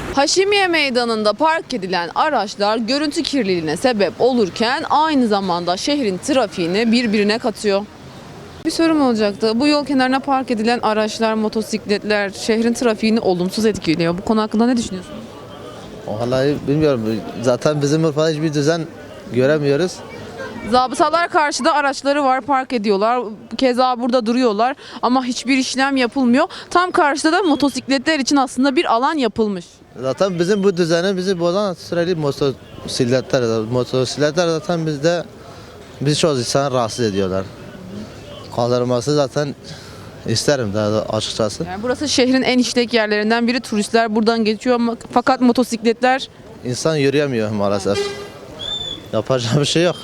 Haşimiye Meydanı'nda park edilen araçlar görüntü kirliliğine sebep olurken aynı zamanda şehrin trafiğini birbirine katıyor. Bir sorum olacaktı. Bu yol kenarına park edilen araçlar, motosikletler şehrin trafiğini olumsuz etkiliyor. Bu konu hakkında ne düşünüyorsunuz? Vallahi bilmiyorum. Zaten bizim Urfa'da hiçbir düzen göremiyoruz. Zabıtalar karşıda araçları var, park ediyorlar. Keza burada duruyorlar ama hiçbir işlem yapılmıyor. Tam karşıda da motosikletler için aslında bir alan yapılmış. Zaten bizim bu düzeni bizi bozan sürekli motosikletler. Motosikletler zaten biz çoğu insanı rahatsız ediyorlar. Kaldırılması zaten isterim daha açıkçası. Yani burası şehrin en işlek yerlerinden biri. Turistler buradan geçiyor ama fakat motosikletler İnsan yürüyemiyor maalesef. Yapacak bir şey yok.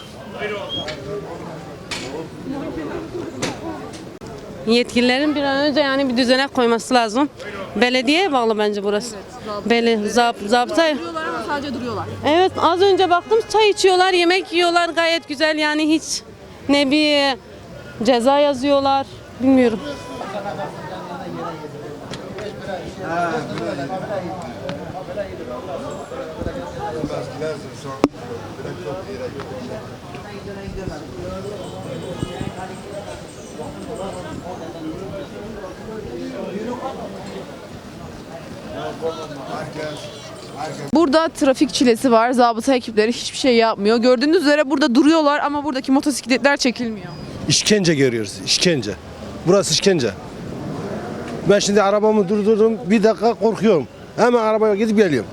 Yetkililerin bir an önce yani bir düzene koyması lazım. Belediyeye bağlı bence burası. Zabıta. duruyorlar ama sadece duruyorlar. Evet, az önce baktım, çay içiyorlar, yemek yiyorlar, gayet güzel yani, hiç ne bir ceza yazıyorlar, bilmiyorum. Burada trafik çilesi var. Zabıta ekipleri hiçbir şey yapmıyor. Gördüğünüz üzere burada duruyorlar ama buradaki motosikletler çekilmiyor. İşkence görüyoruz, işkence. Burası işkence. Ben şimdi arabamı durdurdum, bir dakika korkuyorum. Hemen arabaya gidip geliyorum.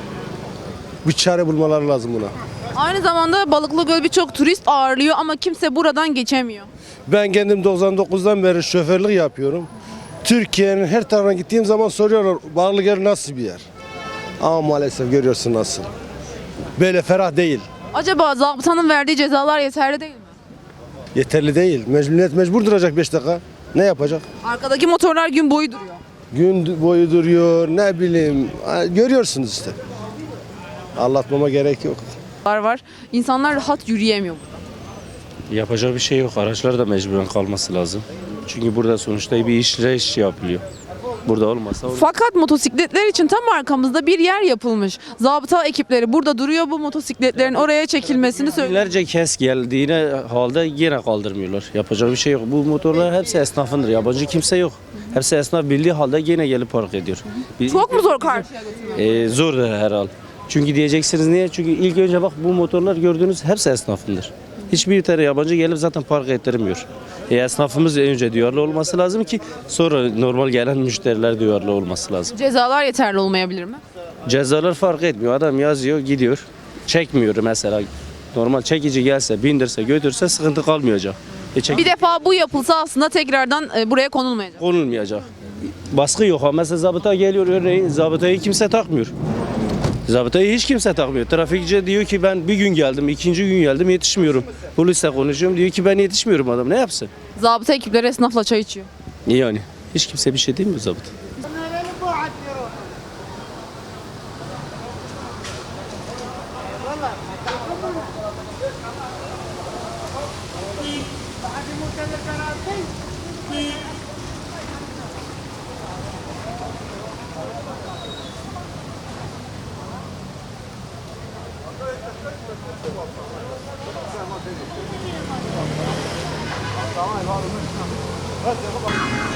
Bir çare bulmaları lazım buna. Aynı zamanda Balıklıgöl birçok turist ağırlıyor ama kimse buradan geçemiyor. Ben kendim 99'dan beri şoförlük yapıyorum. Türkiye'nin her tarafına gittiğim zaman soruyorlar, Balıklıgöl nasıl bir yer? Ama maalesef görüyorsun nasıl. Böyle ferah değil. Acaba zabıtanın verdiği cezalar yeterli değil mi? Yeterli değil. Millet mecbur duracak 5 dakika. Ne yapacak? Arkadaki motorlar gün boyu duruyor. Gün boyu duruyor, ne bileyim. Görüyorsunuz işte. Anlatmama gerek yok. Var. İnsanlar rahat yürüyemiyor. Yapacak bir şey yok. Araçlar da mecburen kalması lazım. Çünkü burada sonuçta bir iş yapılıyor. Burada olmasa olur. Fakat motosikletler için tam arkamızda bir yer yapılmış. Zabıta ekipleri burada duruyor, bu motosikletlerin oraya çekilmesini söylüyor. Binlerce kez geldiğine halde yine kaldırmıyorlar. Yapacak bir şey yok. Bu motorlar hepsi esnafındır. Yabancı kimse yok. Hepsi esnaf bildiği halde yine gelip park ediyor. Çok mu zor karşıya götürmek? Zordur herhal. Çünkü diyeceksiniz niye? Çünkü ilk önce bak, bu motorlar gördüğünüz hepsi esnafındır. Hiçbir tane yabancı gelip zaten park ettirmiyor. Esnafımız önce duyarlı olması lazım ki sonra normal gelen müşteriler duyarlı olması lazım. Cezalar yeterli olmayabilir mi? Cezalar fark etmiyor. Adam yazıyor, gidiyor. Çekmiyor mesela. Normal çekici gelse, bindirse, götürse sıkıntı kalmayacak. Bir defa bu yapılsa aslında tekrardan buraya konulmayacak. Konulmayacak. Baskı yok. Mesela zabıta geliyor, örneğin zabıtayı kimse takmıyor. Zabıtayı hiç kimse takmıyor. Trafikçi diyor ki ben bir gün geldim, ikinci gün geldim, yetişmiyorum. Polisle konuşuyorum, diyor ki ben yetişmiyorum, adam ne yapsın? Zabıta ekipleri esnafla çay içiyor. Yani hiç kimse bir şey demiyor zabıta. Tamam,